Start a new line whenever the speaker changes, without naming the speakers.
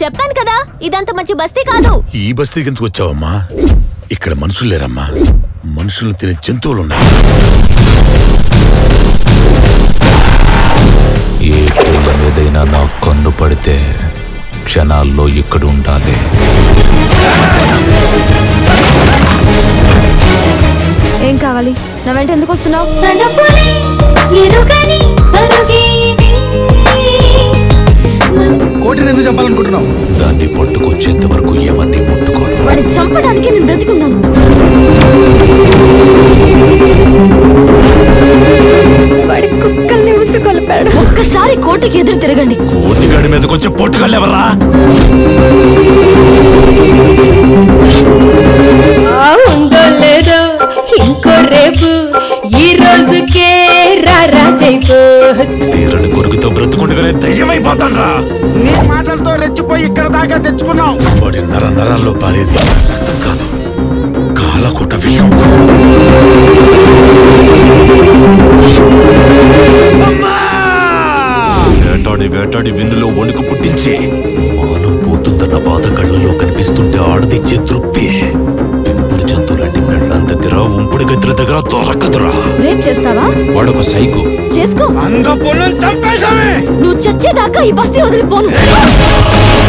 చెప్పాను కదా ఇదంత మంచి బస్తీ కాదు.
ఈ బస్తీకి ఎందుకు వచ్చావమ్మా? ఇక్కడ మనుషులు లేరమ్మా, మనుషులు తినే జంతువులున్నాయి.
ఏ పిల్ల మీదైనా నా కన్ను పడితే క్షణాల్లో ఇక్కడ ఉండాలి.
ఏం కావాలి? నా వెంట ఎందుకు వస్తున్నావు?
కోటిని ఎందుకు చంపాలనుకుంటున్నావు?
దాన్ని పట్టుకొచ్చేంత వరకు ఎవరిని ముట్టుకోను.
వాడిని చంపడానికి నేను బ్రతికున్నాను. వాడి కుక్కల్ని ఉసుకొల్పాడు. ఒక్కసారి కోటికి ఎదురు తిరగండి.
కోటిగాడి మీదకి వచ్చే పొట్టుగాళ్ళు ఎవరా?
ఉందో లేదో ఇంకో రేపు ఈ రోజుకే రాజైపో.
తీరని కొరుకుతో బ్రతుకుండగానే దయ్యమైపోతాడ్రా.
నీ మాటలతో రెచ్చిపోయి ఇక్కడ దాకా తెచ్చుకున్నావు.
వాడి నరాల్లో పారేది రక్తం కాదు, కాలకూట విషం.
వేటాడి వేటాడి విన్నులో వణుకు పుట్టించి మానం పోతుందన్న బాధ కళ్ళలో కనిపిస్తుంటే ఆడదిచ్చే తృప్తి పెంపుడు జంతువులాంటి పెళ్ళాం దగ్గర ఉంపుడు గదుల దగ్గర దొరకదురా.
రేప్ చేస్తావా?
వాడొక సైకో.
చేసుకో.
అందపుల్ని చంపేశామే.
నువ్వు చచ్చేదాకా ఈ బస్తీ వదిలిపోను.